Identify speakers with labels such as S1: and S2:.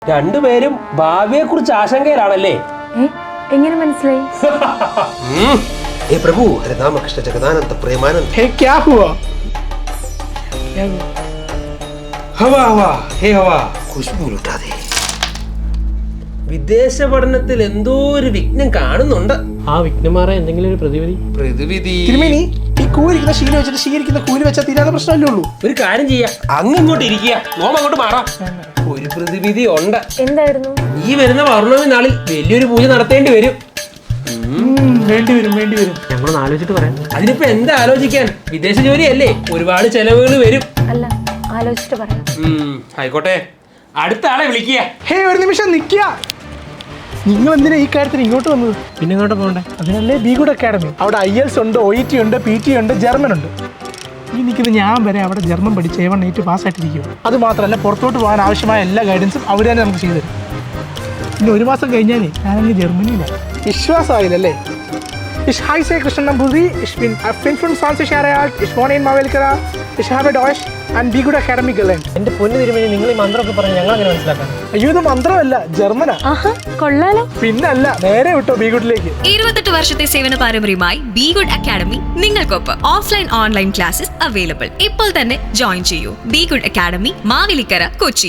S1: രണ്ടുപേരും ഭാവിയെ കുറിച്ച് ആശങ്കയിലാണല്ലേ?
S2: എങ്ങനെ മനസ്സിലായി?
S3: हे प्रभु हरे राम कृष्ण जगदानंद प्रेमानंद।
S4: हे क्या हुआ?
S3: हवा हवा हे हवा खुशबू लुटा दे।
S1: വിദേശ പഠനത്തിൽ എന്തോ ഒരു വിഘ്നം കാണുന്നുണ്ട്.
S5: ആ വിഘ്നമാറാൻ എന്തെങ്കിലും ഒരു
S3: പ്രതിവിധി
S4: തിരുമേനി, ഈ കൂലിരിക്കുന്ന ശീലം വെച്ചിട്ട് ശീലിക്കുന്ന കൂലി വെച്ചാൽ തീരാതെ പ്രശ്നമല്ലേ ഉള്ളൂ.
S1: ഒരു കാര്യം ചെയ്യാം, അങ്ങോട്ട് ഇരിക്കുക, നോം അങ്ങോട്ട് മാറാം. ഒരു പ്രതിവിധി ഉണ്ട്.
S2: എന്തായിരുന്നു?
S1: ഈ വരുന്ന പൗർണമി നാളിൽ വലിയൊരു പൂജ നടത്തേണ്ടി വരും.
S4: വേണ്ടി വരും.
S5: ഞങ്ങളൊന്ന് ആലോചിച്ചിട്ട് പറയാം.
S1: അതിനിപ്പോ എന്താ ആലോചിക്കാൻ, വിദേശ ജോലിയല്ലേ, ഒരുപാട് ചെലവുകൾ വരും.
S2: അല്ല, ആലോചിച്ചിട്ട് പറയാം.
S1: ആയിക്കോട്ടെ, അടുത്ത ആളെ വിളിക്കുക.
S4: ഹേ, ഒരു നിമിഷം നിൽക്കുക. നിങ്ങൾ എന്തിനാ ഈ കാര്യത്തിന് ഇങ്ങോട്ട് വന്നത്?
S5: പിന്നെ ഇങ്ങോട്ട് പോകണ്ടേ?
S4: അതിനല്ലേ ബി ഗുഡ് അക്കാഡമി. അവിടെ IELTS ഉണ്ട്, OET ഉണ്ട്, PT ഉണ്ട്, ജർമ്മൻ ഉണ്ട്. ഈ നിൽക്കുന്ന ഞാൻ വരെ അവിടെ ജർമ്മൻ പഠിച്ച് A1 A2 പാസ്സായിട്ടിരിക്കും. അത് മാത്രമല്ല, പുറത്തോട്ട് പോകാൻ ആവശ്യമായ എല്ലാ ഗൈഡൻസും അവർ തന്നെ നമുക്ക് ചെയ്തു തരും. പിന്നെ ഒരു മാസം കഴിഞ്ഞാലേ ഞാനങ്ങ് ജർമ്മനിയിലാണ്. വിശ്വാസമായില്ലല്ലേ? Ich heiße Krishnan Namburi, ich bin 25 Jahre alt, ich wohne in Mavelkara, ich habe Deutsch and Be Good Academy gelernt.
S5: എന്റെ പൊന്നു തിരുമേനി, നിങ്ങൾ ഈ മന്ത്രമൊക്കെ പറഞ്ഞ് ഞങ്ങൾ അങ്ങനെ മനസ്സിലാക്കാം?
S4: അയ്യോ, ഇത് മന്ത്രമല്ല, ജർമ്മനാ.
S2: ആഹാ, കൊള്ളാലോ.
S4: പിന്നല്ല, നേരെ വിട്ടോ ബി ഗുഡിലേക്ക്.
S6: 28 വർഷത്തെ സേവന പാരമ്പര്യമായി ബി ഗുഡ് അക്കാഡമി നിങ്ങൾക്കൊപ്പം. Offline online classes available. ഇപ്പോൾ തന്നെ ജോയിൻ ചെയ്യൂ. Be Good Academy, Mavelikkara, Kochi.